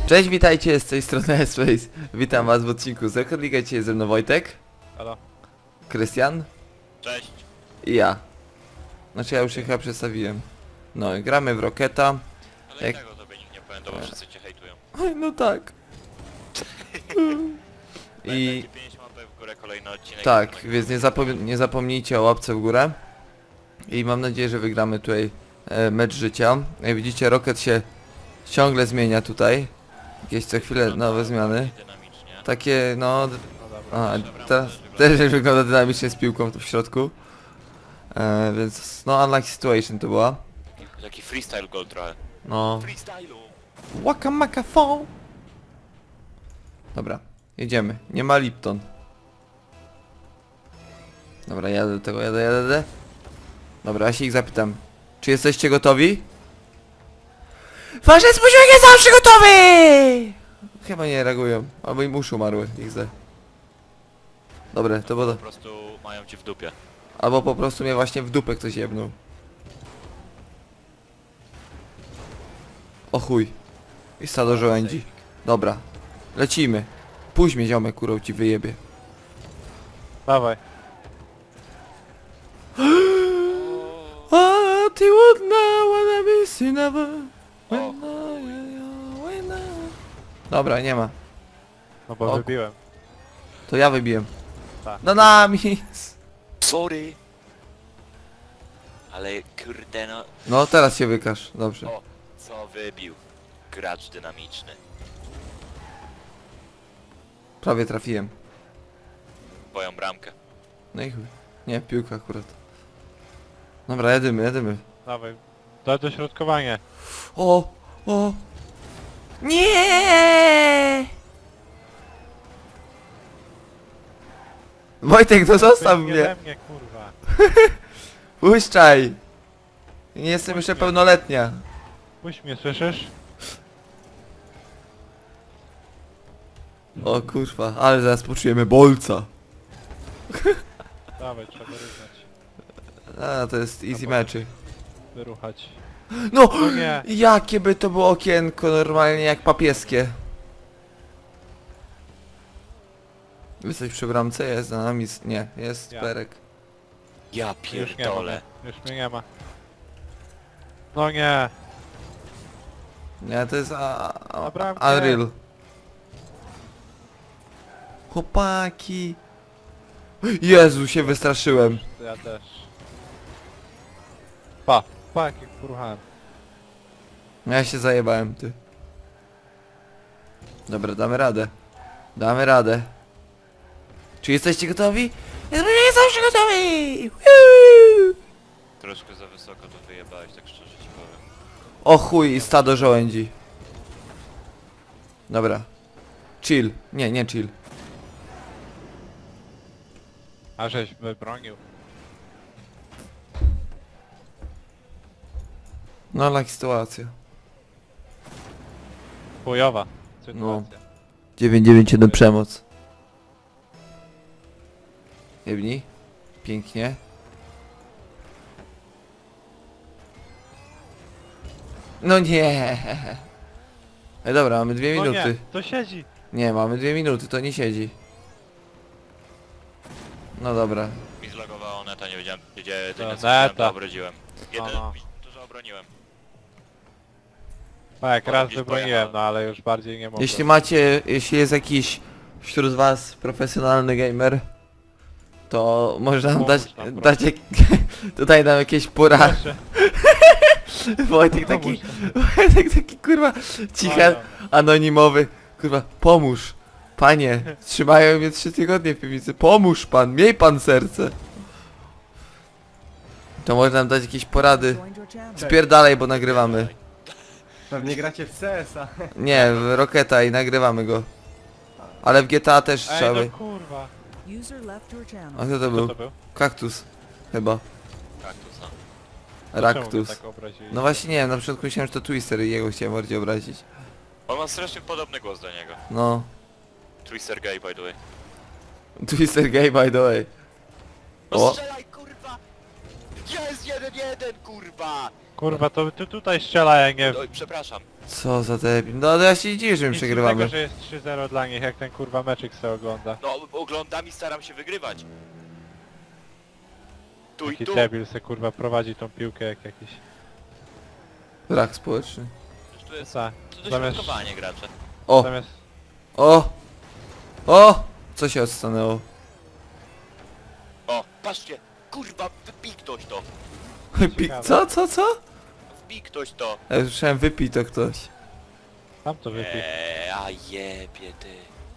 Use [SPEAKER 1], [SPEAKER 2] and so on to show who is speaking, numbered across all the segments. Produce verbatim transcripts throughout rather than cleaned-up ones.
[SPEAKER 1] Cześć, witajcie, z tej strony S-Space. Witam was w odcinku z Rocket League. Dzisiaj jest ze mną Wojtek,
[SPEAKER 2] Halo.
[SPEAKER 1] Krystian
[SPEAKER 3] Cześć.
[SPEAKER 1] i ja. Znaczy ja już się chyba przedstawiłem. No i gramy w Rocketa.
[SPEAKER 3] Ale
[SPEAKER 1] Jak-
[SPEAKER 3] i tak o tobie nikt nie pamięta, bo wszyscy cię hejtują.
[SPEAKER 1] Oj, no tak.
[SPEAKER 3] I...
[SPEAKER 1] I
[SPEAKER 3] pięć łapek w górę, kolejny odcinek.
[SPEAKER 1] tak,
[SPEAKER 3] następnego.
[SPEAKER 1] więc nie, zapom nie zapomnijcie o łapce w górę. I mam nadzieję, że wygramy tutaj e, mecz życia. Jak widzicie, Rocket się ciągle zmienia tutaj. Jakieś co chwilę
[SPEAKER 3] Wygląda
[SPEAKER 1] nowe zmiany.
[SPEAKER 3] bardziej dynamicznie.
[SPEAKER 1] Takie, no... d-
[SPEAKER 2] No dobra.
[SPEAKER 1] A,
[SPEAKER 3] Dobra,
[SPEAKER 1] teraz
[SPEAKER 3] też
[SPEAKER 1] też wygląda dynamicznie z piłką tu w środku. E, więc no unlucky situation to była.
[SPEAKER 3] Taki freestyle goal trochę.
[SPEAKER 1] No.
[SPEAKER 3] Freestylu.
[SPEAKER 1] Waka maka fo. Dobra, jedziemy. Nie ma Lipton. Dobra, jadę do tego, jadę, jadę, jadę. Dobra, ja się ich zapytam. Czy jesteście gotowi? Wasze spóźnienie jest zawsze gotowy! Chyba nie reagują. Albo im uszy umarły, ich zde. Dobre, to było...
[SPEAKER 3] Po prostu mają cię w dupie.
[SPEAKER 1] Albo po prostu mnie właśnie w dupę ktoś jebnął. O chuj. I stado żołędzi. Dobra. Lecimy. Puść mnie ziomek, kurą ci wyjebie.
[SPEAKER 2] Dawaj.
[SPEAKER 1] A ty would know what I miss you never.
[SPEAKER 3] O,
[SPEAKER 1] Dobra, nie ma.
[SPEAKER 2] No bo
[SPEAKER 1] O.
[SPEAKER 2] wybiłem.
[SPEAKER 1] To ja wybiłem.
[SPEAKER 2] Tak.
[SPEAKER 1] No nami.
[SPEAKER 3] sorry. Ale kurde no.
[SPEAKER 1] No teraz się wykaż. Dobrze.
[SPEAKER 3] O, co wybił. Gracz dynamiczny.
[SPEAKER 1] Prawie trafiłem.
[SPEAKER 3] Twoją bramkę.
[SPEAKER 1] No i chuj. Nie, piłka akurat. Dobra, jedymy, jedymy.
[SPEAKER 2] Dawaj. Daj dośrodkowanie.
[SPEAKER 1] O! O! Nie! Wojtek, to zostaw
[SPEAKER 2] Wyjdź
[SPEAKER 1] mnie!
[SPEAKER 2] ode mnie, kurwa.
[SPEAKER 1] Puszczaj! Nie jestem jeszcze pełnoletnia.
[SPEAKER 2] Puść mnie, słyszysz?
[SPEAKER 1] O kurwa, ale zaraz poczujemy bolca.
[SPEAKER 2] Dawaj, trzeba wyrównać.
[SPEAKER 1] A, to jest easy meczy.
[SPEAKER 2] Wyruchać.
[SPEAKER 1] No!
[SPEAKER 2] No nie.
[SPEAKER 1] Jakie by to było okienko, normalnie jak papieskie. Jesteś przy bramce? Jest za nami... s- Nie, jest
[SPEAKER 2] Ja.
[SPEAKER 1] Perek.
[SPEAKER 3] Ja
[SPEAKER 2] Już nie ma.
[SPEAKER 3] pierdolę.
[SPEAKER 2] Już mnie nie ma. No nie.
[SPEAKER 1] Nie, to jest... A, a,
[SPEAKER 2] Na bramkę.
[SPEAKER 1] Unreal. Chłopaki. Jezu, się wystraszyłem.
[SPEAKER 2] Ja też. Pa. Pa, jak poruchałem.
[SPEAKER 1] Ja się zajebałem, ty. Dobra, damy radę. Damy radę. Czy jesteście gotowi? Ja jestem zawsze gotowy! Woo!
[SPEAKER 3] Troszkę za wysoko to wyjebałeś, tak szczerze ci powiem.
[SPEAKER 1] O chuj, i stado żołędzi. Dobra. Chill. Nie, nie chill.
[SPEAKER 2] A żeś wybronił.
[SPEAKER 1] No, laki sytuacja.
[SPEAKER 2] Chujowa
[SPEAKER 1] No.
[SPEAKER 2] sytuacja.
[SPEAKER 1] dziewięć dziewięć jeden przemoc. Jebni. Pięknie. No nie. Ej, dobra, mamy dwie
[SPEAKER 2] No nie,
[SPEAKER 1] minuty.
[SPEAKER 2] to siedzi.
[SPEAKER 1] Nie, mamy dwie minuty, to nie siedzi. No dobra.
[SPEAKER 3] Mi zlogowało neta, nie wiedziałem gdzie
[SPEAKER 2] To
[SPEAKER 3] to nie
[SPEAKER 2] neta.
[SPEAKER 3] to obrodziłem. Jeden,
[SPEAKER 2] Aha.
[SPEAKER 3] dużo obroniłem.
[SPEAKER 2] Tak,
[SPEAKER 3] Potem
[SPEAKER 2] raz
[SPEAKER 3] gdzieś
[SPEAKER 2] wybroniłem,
[SPEAKER 3] pojechałem.
[SPEAKER 2] no ale już bardziej nie mogę.
[SPEAKER 1] Jeśli macie, jeśli jest jakiś wśród was profesjonalny gamer, to może nam
[SPEAKER 2] Pomóż
[SPEAKER 1] dać,
[SPEAKER 2] nam, proszę.
[SPEAKER 1] dać jak, tutaj nam jakieś porady.
[SPEAKER 2] Proszę.
[SPEAKER 1] Wojtek taki,
[SPEAKER 2] Pomóż
[SPEAKER 1] Wojtek taki kurwa cicha,
[SPEAKER 2] Błagam.
[SPEAKER 1] anonimowy, kurwa, pomóż, panie, trzymają mnie trzy tygodnie w piwnicy, pomóż pan, miej pan serce. To może nam dać jakieś porady, spierdalaj, bo nagrywamy.
[SPEAKER 4] Pewnie gracie w C S a.
[SPEAKER 1] Nie, w Rocketa i nagrywamy go. Ale w G T A też
[SPEAKER 2] Ej,
[SPEAKER 1] trzeba.
[SPEAKER 2] no kurwa.
[SPEAKER 5] User left your
[SPEAKER 1] A
[SPEAKER 5] channel.
[SPEAKER 1] kto to
[SPEAKER 2] Co
[SPEAKER 1] był?
[SPEAKER 2] to był?
[SPEAKER 1] Kaktus. Chyba.
[SPEAKER 3] Kaktus, no.
[SPEAKER 2] Czemu mnie
[SPEAKER 1] Raktus.
[SPEAKER 2] tak obrazili?
[SPEAKER 1] No właśnie nie wiem, na początku myślałem, że to Twister i jego chciałem bardziej obrazić.
[SPEAKER 3] On ma strasznie podobny głos do niego.
[SPEAKER 1] No.
[SPEAKER 3] Twister gay, by the way.
[SPEAKER 1] Twister gay by the way.
[SPEAKER 3] No
[SPEAKER 1] O.
[SPEAKER 3] strzelaj, kurwa! Jest jeden jeden, kurwa!
[SPEAKER 2] Kurwa, to ty tutaj strzela, jak nie...
[SPEAKER 3] Oj, przepraszam.
[SPEAKER 1] Co za debil. No ale ja się nie dziwię, że my
[SPEAKER 2] Nic
[SPEAKER 1] przegrywamy.
[SPEAKER 2] dziwnego, że jest trzy zero dla nich, jak ten kurwa meczyk se ogląda.
[SPEAKER 3] No, oglądam i staram się wygrywać. Tu i
[SPEAKER 2] Taki
[SPEAKER 3] tu.
[SPEAKER 2] debil se kurwa prowadzi tą piłkę jak jakiś...
[SPEAKER 1] Brak społeczny.
[SPEAKER 3] Przecież tu jest
[SPEAKER 2] Co?
[SPEAKER 3] to
[SPEAKER 2] Zamiast...
[SPEAKER 3] dośrodkowanie gracze.
[SPEAKER 1] O!
[SPEAKER 2] Zamiast...
[SPEAKER 1] O! O! Co się odstanęło?
[SPEAKER 3] O, patrzcie! Kurwa, wypij ktoś to!
[SPEAKER 1] Pi- co, co, co?
[SPEAKER 3] Wbij ktoś to!
[SPEAKER 1] Ja już słyszałem wypij to ktoś.
[SPEAKER 2] Tam to wypij.
[SPEAKER 3] Eee, a jebie ty.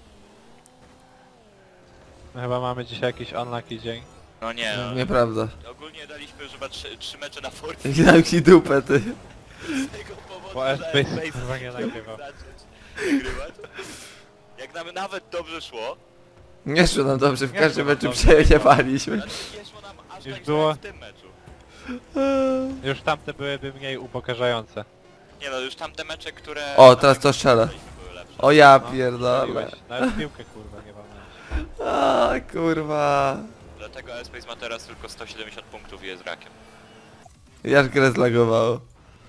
[SPEAKER 2] My chyba mamy dzisiaj jakiś unlucky dzień.
[SPEAKER 3] No nie, no.
[SPEAKER 1] Nieprawda.
[SPEAKER 3] Ogólnie daliśmy już chyba trzy, trzy mecze na Fortnite.
[SPEAKER 1] I dam ci dupę, ty.
[SPEAKER 3] Z tego powodu,
[SPEAKER 2] Bo
[SPEAKER 3] że
[SPEAKER 2] F-Base
[SPEAKER 3] F-Base
[SPEAKER 2] kurwa nie
[SPEAKER 3] chciał
[SPEAKER 2] nagrywał.
[SPEAKER 3] zacząć nagrywać. Jak nam nawet dobrze szło,
[SPEAKER 1] Nie szło nam dobrze, w
[SPEAKER 2] Nie
[SPEAKER 1] każdym
[SPEAKER 2] szło nam
[SPEAKER 1] meczu
[SPEAKER 2] dobrze.
[SPEAKER 1] przejebaliśmy.
[SPEAKER 3] znaczy nie szło nam aż
[SPEAKER 2] Już
[SPEAKER 3] tak
[SPEAKER 2] było-
[SPEAKER 3] źle w tym meczu.
[SPEAKER 2] Już tamte byłyby mniej upokarzające.
[SPEAKER 3] Nie no, już tamte mecze, które...
[SPEAKER 1] O, teraz to strzela.
[SPEAKER 3] były lepsze.
[SPEAKER 1] O ja
[SPEAKER 2] No,
[SPEAKER 1] pierdolę.
[SPEAKER 2] strzeliłeś. Nawet piłkę kurwa nie mam.
[SPEAKER 1] A kurwa.
[SPEAKER 3] Dlatego F-Base ma teraz tylko sto siedemdziesiąt punktów i jest rakiem.
[SPEAKER 1] Jak grę zlagowało.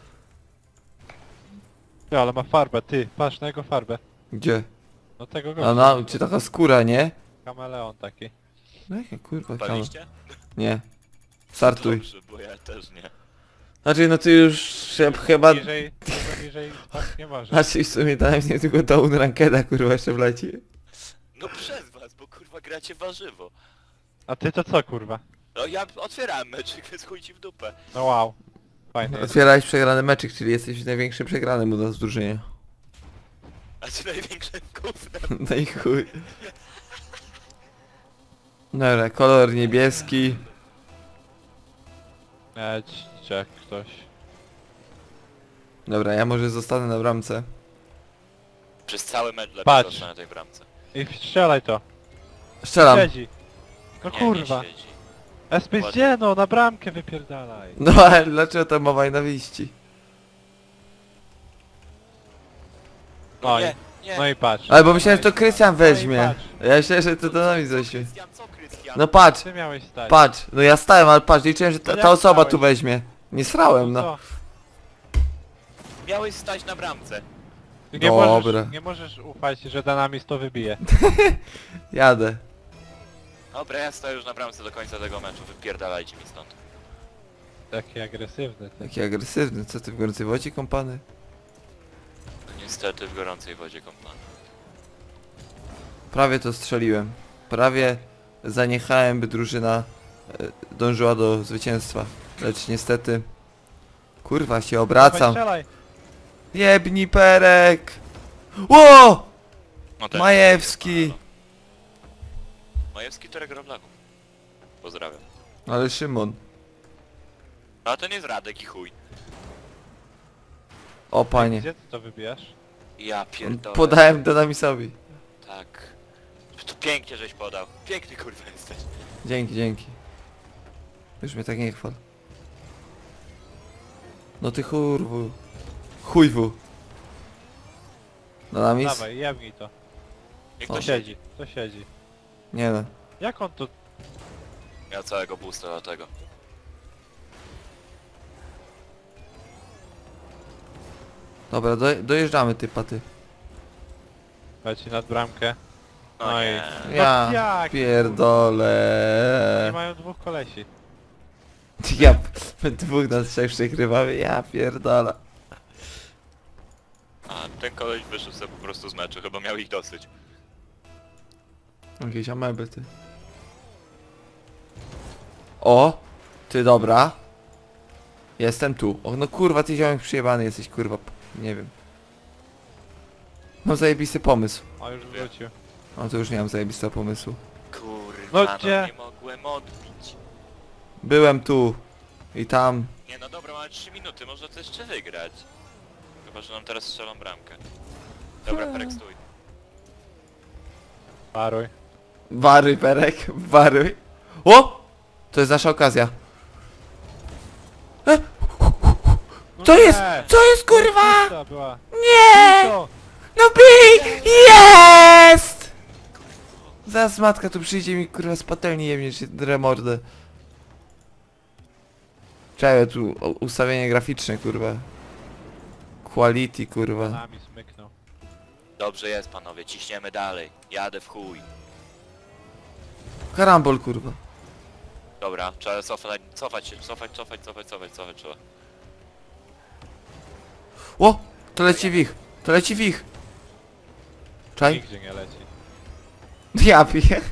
[SPEAKER 2] Ty, ale ma farbę, ty, patrz na jego farbę.
[SPEAKER 1] Gdzie?
[SPEAKER 2] No tego
[SPEAKER 1] A
[SPEAKER 2] gościa.
[SPEAKER 1] na, czy taka skóra, nie?
[SPEAKER 2] Kameleon taki.
[SPEAKER 1] No jaka kurwa kama.
[SPEAKER 3] Paliście?
[SPEAKER 1] Nie. Startuj.
[SPEAKER 3] Dobrze, bo ja też nie.
[SPEAKER 1] Znaczy no ty już się chyba...
[SPEAKER 2] Niżej, tego niżej spać nie może.
[SPEAKER 1] Znaczy w sumie dałem nie tylko down rankeda kurwa jeszcze wleci.
[SPEAKER 3] No przez was, bo kurwa gracie warzywo.
[SPEAKER 2] A ty to co kurwa?
[SPEAKER 3] No ja otwierałem meczyk, więc chuj ci w dupę.
[SPEAKER 2] No wow. Fajnie jest.
[SPEAKER 1] Otwierałeś przegrany meczyk, czyli jesteś największym przegranym u nas w drużynie.
[SPEAKER 3] A ty największym gównem.
[SPEAKER 1] No i chuj. Dobra, kolor niebieski.
[SPEAKER 2] Leć, jak ktoś.
[SPEAKER 1] Dobra, ja może zostanę na bramce.
[SPEAKER 3] Przez cały mecz lepiej
[SPEAKER 2] Patrz.
[SPEAKER 3] został na tej bramce.
[SPEAKER 2] I strzelaj to.
[SPEAKER 1] Strzelam.
[SPEAKER 2] Siedzi. No
[SPEAKER 3] Nie,
[SPEAKER 2] kurwa.
[SPEAKER 3] Nie siedzi.
[SPEAKER 2] Space
[SPEAKER 3] Ładnie.
[SPEAKER 2] gdzie no, na bramkę wypierdalaj.
[SPEAKER 1] No ale dlaczego to mowa nienawiści?
[SPEAKER 3] No
[SPEAKER 2] Oj.
[SPEAKER 3] nie, nie.
[SPEAKER 2] No i patrz.
[SPEAKER 1] Ale bo myślałem, że to Krystian
[SPEAKER 2] No i
[SPEAKER 1] weźmie.
[SPEAKER 2] patrz.
[SPEAKER 1] Ja myślałem, że to do nami
[SPEAKER 3] Co
[SPEAKER 1] weźmie.
[SPEAKER 3] Krystian, co Krystian?
[SPEAKER 1] No patrz,
[SPEAKER 2] Ty miałeś stać.
[SPEAKER 1] patrz. No ja stałem, ale patrz, liczyłem, że ta,
[SPEAKER 2] No
[SPEAKER 1] ta
[SPEAKER 2] jak
[SPEAKER 1] osoba
[SPEAKER 2] stałeś?
[SPEAKER 1] tu weźmie. Nie srałem, no.
[SPEAKER 2] co?
[SPEAKER 3] Miałeś stać na bramce.
[SPEAKER 2] Ty nie
[SPEAKER 1] Dobra.
[SPEAKER 2] możesz, nie możesz ufać, że Dynamis to wybije.
[SPEAKER 1] Jadę.
[SPEAKER 3] Dobra, ja stoję już na bramce do końca tego meczu, wypierdalajcie mi stąd.
[SPEAKER 2] Taki agresywny. Ty.
[SPEAKER 1] Taki agresywny, co ty w gorącej wodzie kąpany?
[SPEAKER 3] No niestety w gorącej wodzie kąpany.
[SPEAKER 1] Prawie to strzeliłem. Prawie zaniechałem, by drużyna e, dążyła do zwycięstwa. Lecz niestety... Kurwa, się
[SPEAKER 2] Dawaj,
[SPEAKER 1] obracam.
[SPEAKER 2] strzelaj.
[SPEAKER 1] Jebni perek! Ło!
[SPEAKER 3] No ten-
[SPEAKER 1] Majewski!
[SPEAKER 3] Majewski to Roblaków. Pozdrawiam.
[SPEAKER 1] Ale Szymon.
[SPEAKER 3] No a to nie jest Radek i chuj.
[SPEAKER 1] O panie.
[SPEAKER 2] Gdzie ty to wybijasz?
[SPEAKER 3] Ja pierdolę.
[SPEAKER 1] Podałem Dynamisowi.
[SPEAKER 3] Tak. To pięknie żeś podał. Piękny kurwa jesteś.
[SPEAKER 1] Dzięki, dzięki. Już mnie tak nie chwal. No ty churwu. Chujwu. Dynamis?
[SPEAKER 2] Dawaj, jebnij to.
[SPEAKER 3] Niech
[SPEAKER 1] O.
[SPEAKER 3] to
[SPEAKER 2] To
[SPEAKER 3] siedzi.
[SPEAKER 2] siedzi, to siedzi.
[SPEAKER 1] Nie no.
[SPEAKER 2] Jak on to...
[SPEAKER 3] Miał całego boosta do tego.
[SPEAKER 1] Dobra, do, dojeżdżamy ty paty.
[SPEAKER 2] Leci nad bramkę.
[SPEAKER 3] No,
[SPEAKER 2] No i-
[SPEAKER 3] nie.
[SPEAKER 1] Ja
[SPEAKER 2] No jak? Oni
[SPEAKER 1] pierdolę.
[SPEAKER 2] mają dwóch kolesi.
[SPEAKER 1] Ja p- dwóch na trzech przegrywamy, ja pierdolę.
[SPEAKER 3] A ten koleś wyszedł sobie po prostu z meczu, chyba miał ich dosyć.
[SPEAKER 1] Jakieś ameby ty. O! Ty dobra. Jestem tu. O no kurwa, ty ziomek przyjebany jesteś kurwa. Nie wiem. Mam zajebisty pomysł.
[SPEAKER 2] O, już wrócił.
[SPEAKER 1] O to już nie mam zajebistego pomysłu.
[SPEAKER 3] Kurwa,
[SPEAKER 2] No
[SPEAKER 3] no,
[SPEAKER 2] gdzie?
[SPEAKER 3] nie mogłem odbić.
[SPEAKER 1] Byłem tu. I tam.
[SPEAKER 3] Nie no dobra, mamy trzy minuty, można to jeszcze wygrać. Chyba, że nam teraz strzelą bramkę. Dobra, Perek, stój.
[SPEAKER 2] Paruj.
[SPEAKER 1] Waruj perek, waruj. O! To jest nasza okazja. E?
[SPEAKER 2] No
[SPEAKER 1] Co
[SPEAKER 2] nie!
[SPEAKER 1] jest? Co jest kurwa?
[SPEAKER 2] To była.
[SPEAKER 1] Nie!
[SPEAKER 2] Co?
[SPEAKER 1] No bij! Jest! Zaraz matka tu przyjdzie mi kurwa z patelni jemnie czy dremordę. Czekaj, tu o- ustawienie graficzne, kurwa. Quality, kurwa.
[SPEAKER 2] Nami smyknął.
[SPEAKER 3] Dobrze jest, panowie, ciśniemy dalej. Jadę w chuj.
[SPEAKER 1] Karambol, kurwa.
[SPEAKER 3] Dobra, trzeba cofać, cofać się, cofać, cofać, cofać, cofać, cofać trzeba.
[SPEAKER 1] O! To leci w ich. To leci w ich. Czaj?
[SPEAKER 2] Nigdzie nie leci.
[SPEAKER 1] Ja piję.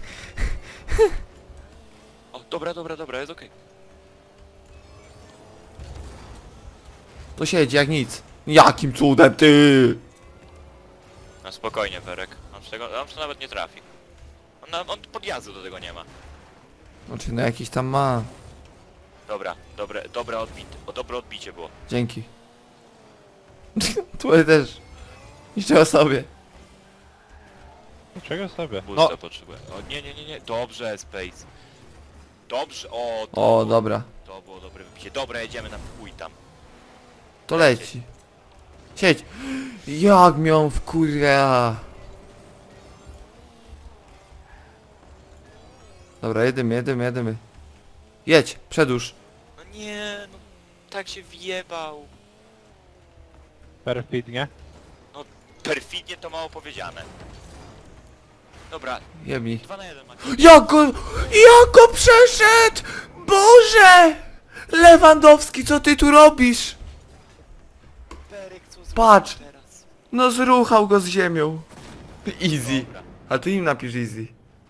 [SPEAKER 3] O, dobra, dobra, dobra, jest okej.
[SPEAKER 1] To siedzi jak nic. Jakim cudem, ty!
[SPEAKER 3] No spokojnie, Perek. On z tego, on to nawet nie trafi. On, na- on podjazdu do tego nie ma.
[SPEAKER 1] Znaczy, no jakiś tam ma.
[SPEAKER 3] Dobra, dobre, dobre odbicie, o, dobre odbicie było.
[SPEAKER 1] Dzięki. Twoje też. Niszczyła sobie.
[SPEAKER 2] Czego sobie?
[SPEAKER 3] Boosta
[SPEAKER 2] No,
[SPEAKER 3] potrzebuję. O, nie, nie, nie, nie, dobrze, Space. Dobrze, o, to,
[SPEAKER 1] O,
[SPEAKER 3] było,
[SPEAKER 1] dobra.
[SPEAKER 3] to było dobre wybicie. Dobra, jedziemy na chuj tam.
[SPEAKER 1] To leci. Siedź. Jak mią w kurwa. Dobra, jedymy, jedymy, jedymy. Jedź, przedłuż.
[SPEAKER 3] No nie, no tak się wjebał.
[SPEAKER 2] perfidnie.
[SPEAKER 3] Perfidnie to mało powiedziane. Dobra,
[SPEAKER 1] Jebnij.
[SPEAKER 3] dwa na jeden macie.
[SPEAKER 1] Jak go... Jak go przeszedł! Boże! Lewandowski, co ty tu robisz?
[SPEAKER 3] Perek, co zrobił
[SPEAKER 1] Patrz.
[SPEAKER 3] teraz?
[SPEAKER 1] No zruchał go z ziemią. Easy.
[SPEAKER 3] Dobra.
[SPEAKER 1] A ty im napisz easy.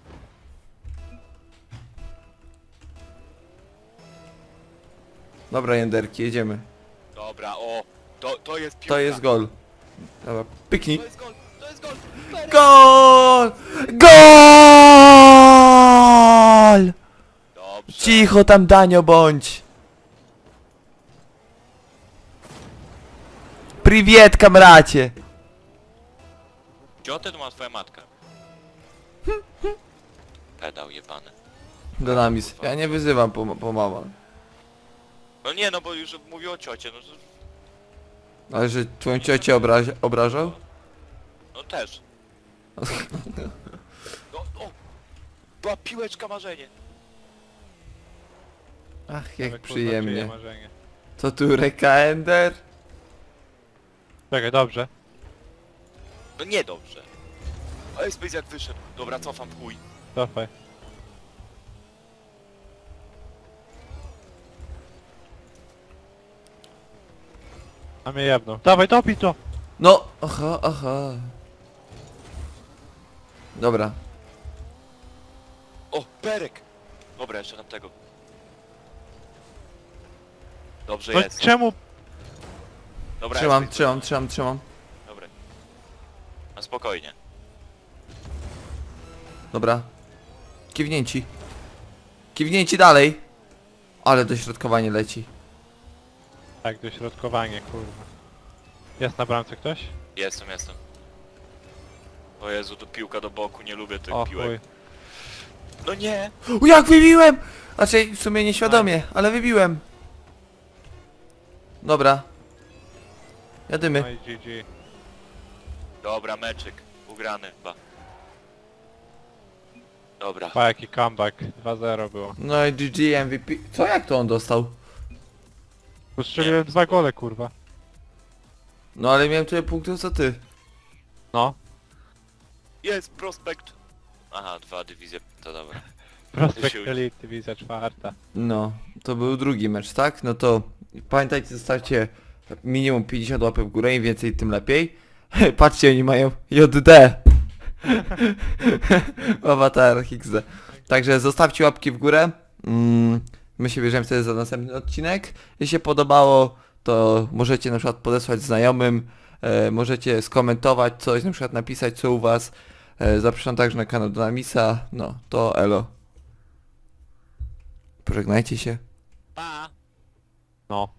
[SPEAKER 1] Dobra, Jenderki, jedziemy.
[SPEAKER 3] Dobra, o, to, to jest piłka.
[SPEAKER 1] To jest gol. Dobra, pyknij.
[SPEAKER 3] To jest gol, to jest gol. Perek.
[SPEAKER 1] Gol! Gol!
[SPEAKER 3] Dobrze.
[SPEAKER 1] Cicho tam, Danio, bądź. Priwiet, kamracie.
[SPEAKER 3] Ciotę to ma twoja matka. Pedał jebany.
[SPEAKER 1] Donamis. Ja nie wyzywam po, po mama.
[SPEAKER 3] No nie, no bo już mówił o ciocie, no to...
[SPEAKER 1] Ale że twoją ciocię obraź, obrażał?
[SPEAKER 3] No też. No, o! Była piłeczka marzenie.
[SPEAKER 1] Ach, jak
[SPEAKER 2] Ale, kurwa, czyje
[SPEAKER 1] przyjemnie.
[SPEAKER 2] marzenie.
[SPEAKER 1] Co tu, Reka Ender?
[SPEAKER 2] Czekaj, dobrze.
[SPEAKER 3] No nie dobrze. Ale Space jak wyszedł. Dobra, cofam w chuj.
[SPEAKER 2] Cofaj. A mnie jebną. Dawaj, topij to!
[SPEAKER 1] No, aha, aha. Dobra.
[SPEAKER 3] O, Perek! Dobra, jeszcze tam tego. Dobrze
[SPEAKER 2] No
[SPEAKER 3] jest.
[SPEAKER 2] czemu?
[SPEAKER 3] Dobra,
[SPEAKER 1] Trzymam,
[SPEAKER 3] jest,
[SPEAKER 1] trzymam, trzymam, trzymam.
[SPEAKER 3] Dobra. A spokojnie.
[SPEAKER 1] Dobra. Kiwnięci. Kiwnięci dalej. Ale dośrodkowanie leci.
[SPEAKER 2] Tak, dośrodkowanie, kurwa. Jest na bramce ktoś?
[SPEAKER 3] Jestem, jestem. O Jezu, tu piłka do boku, nie lubię tych
[SPEAKER 2] O
[SPEAKER 3] piłek.
[SPEAKER 2] chuj.
[SPEAKER 3] No nie!
[SPEAKER 1] U, jak wybiłem! Znaczy, w sumie nieświadomie, ale wybiłem. Dobra. Jadymy.
[SPEAKER 2] No i G G.
[SPEAKER 3] Dobra, meczyk. Ugrany chyba. Dobra.
[SPEAKER 2] Pa, jaki comeback. dwa zero było.
[SPEAKER 1] No i G G M V P. Co, jak to on dostał?
[SPEAKER 2] Ustrzeliłem dwa gole, kurwa.
[SPEAKER 1] No ale miałem tyle punktów co ty.
[SPEAKER 2] No.
[SPEAKER 3] Jest prospekt. Aha, dwa dywizje, to dobra.
[SPEAKER 2] Prospekt
[SPEAKER 3] Siu.
[SPEAKER 2] Elite, dywizja czwarta.
[SPEAKER 1] No, to był drugi mecz, tak? No to pamiętajcie, zostawcie minimum pięćdziesiąt łapek w górę, im więcej tym lepiej. Patrzcie, oni mają J D. W awatarach X D. Także zostawcie łapki w górę. Mm, my się bierzemy wtedy za następny odcinek. Jeśli się podobało, to możecie na przykład podesłać znajomym, e, możecie skomentować coś, na przykład napisać co u was. E, zapraszam także na kanał Donamisa. No, to elo. Pożegnajcie się.
[SPEAKER 3] Pa!
[SPEAKER 2] No.